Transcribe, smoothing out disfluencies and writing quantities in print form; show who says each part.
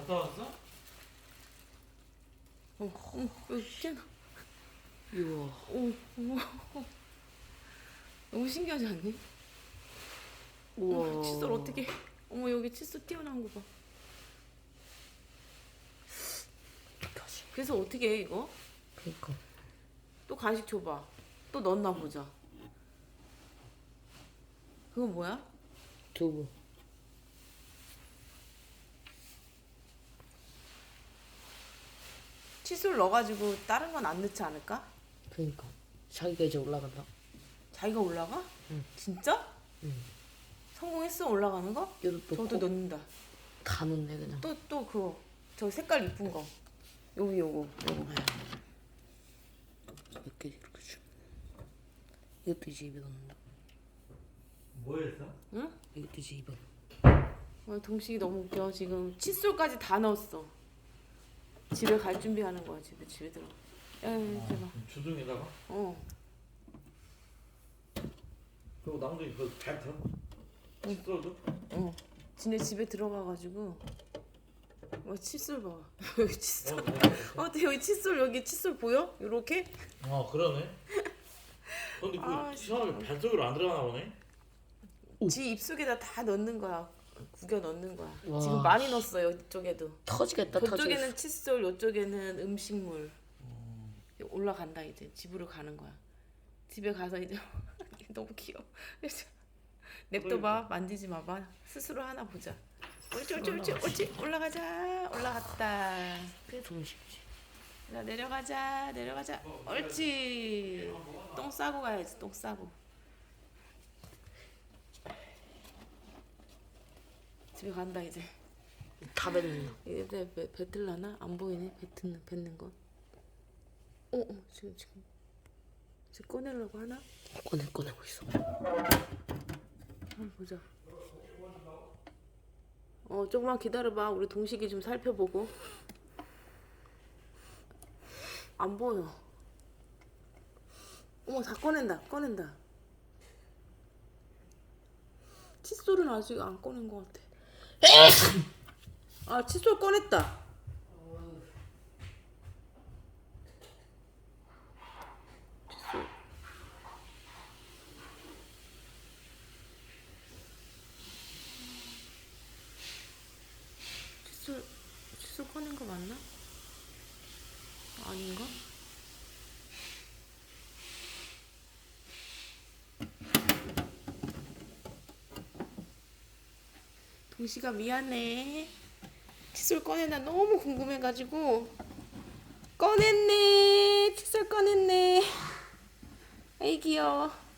Speaker 1: 갔다 왔어?
Speaker 2: 여기 있잖아.
Speaker 3: 우와.
Speaker 2: 너무 신기하지 않니?
Speaker 3: 우와.
Speaker 2: 칫솔 어떻게? 어머 여기 칫솔 튀어나온 거 봐. 그래서 어떻게 해 이거?
Speaker 3: 그니까.
Speaker 2: 또 간식 줘봐. 또 넣었나 보자. 그건 뭐야?
Speaker 3: 두부.
Speaker 2: 칫솔 넣어가지고 다른 건 안 넣지 않을까?
Speaker 3: 그니까. 자기가 이제 올라간다.
Speaker 2: 자기가 올라가?
Speaker 3: 응.
Speaker 2: 진짜?
Speaker 3: 응.
Speaker 2: 성공했어 올라가는 거?
Speaker 3: 이것도
Speaker 2: 저도 넣는다.
Speaker 3: 다 넣네 그냥.
Speaker 2: 또 그거 저 색깔 이쁜 거. 요거.
Speaker 3: 이렇게 이렇게 주. 이것도 이제 입에 넣는다.
Speaker 1: 뭐 했어?
Speaker 2: 응?
Speaker 3: 이것도 이제 입에.
Speaker 2: 동식이 너무 웃겨. 지금 칫솔까지 다 넣었어. 집에 갈 준비하는 거야. 집에 들어. 대박.
Speaker 1: 주둥이다가? 그리고 남도 이거 잘 들어? 칫솔도?
Speaker 2: 지네 집에 들어가가지고 칫솔 봐. 여기 칫솔. 여기 칫솔 여기 칫솔 보여? 요렇게?
Speaker 1: 그러네. 근데 그 시원하게 뱃속으로 안 들어가나 보네?
Speaker 2: 지 입속에다 다 넣는 거야. 구겨 넣는 거야.
Speaker 3: 와.
Speaker 2: 지금 많이 넣었어요. 이쪽에도.
Speaker 3: 터지겠다 터지겠어.
Speaker 2: 저쪽에는 칫솔, 이쪽에는 음식물. 올라간다 이제 집으로 가는 거야. 집에 가서 이제 너무 귀여워. 냅둬봐. 만지지 마봐. 스스로 하나 보자. 옳지. 올라갔다.
Speaker 3: 그게 동식이지.
Speaker 2: 자, 내려가자. 옳지. 똥 싸고 가야지. 똥 싸고. 집에 간다 이제.
Speaker 3: 다 뱉는다.
Speaker 2: 이제 뱉을라나? 안 보이네. 뱉는 거. 지금 꺼내려고 하나?
Speaker 3: 꺼내고 있어.
Speaker 2: 한번 보자. 조금만 기다려봐. 우리 동식이 좀 살펴보고. 안 보여. 어머, 다 꺼낸다. 칫솔은 아직 안 꺼낸 것 같아. 칫솔 꺼냈다. 칫솔 꺼낸 거 맞나? 아닌가? 동시가 미안해. 칫솔 꺼내나 너무 궁금해가지고 꺼냈네. 칫솔 꺼냈네. 아이 귀여워.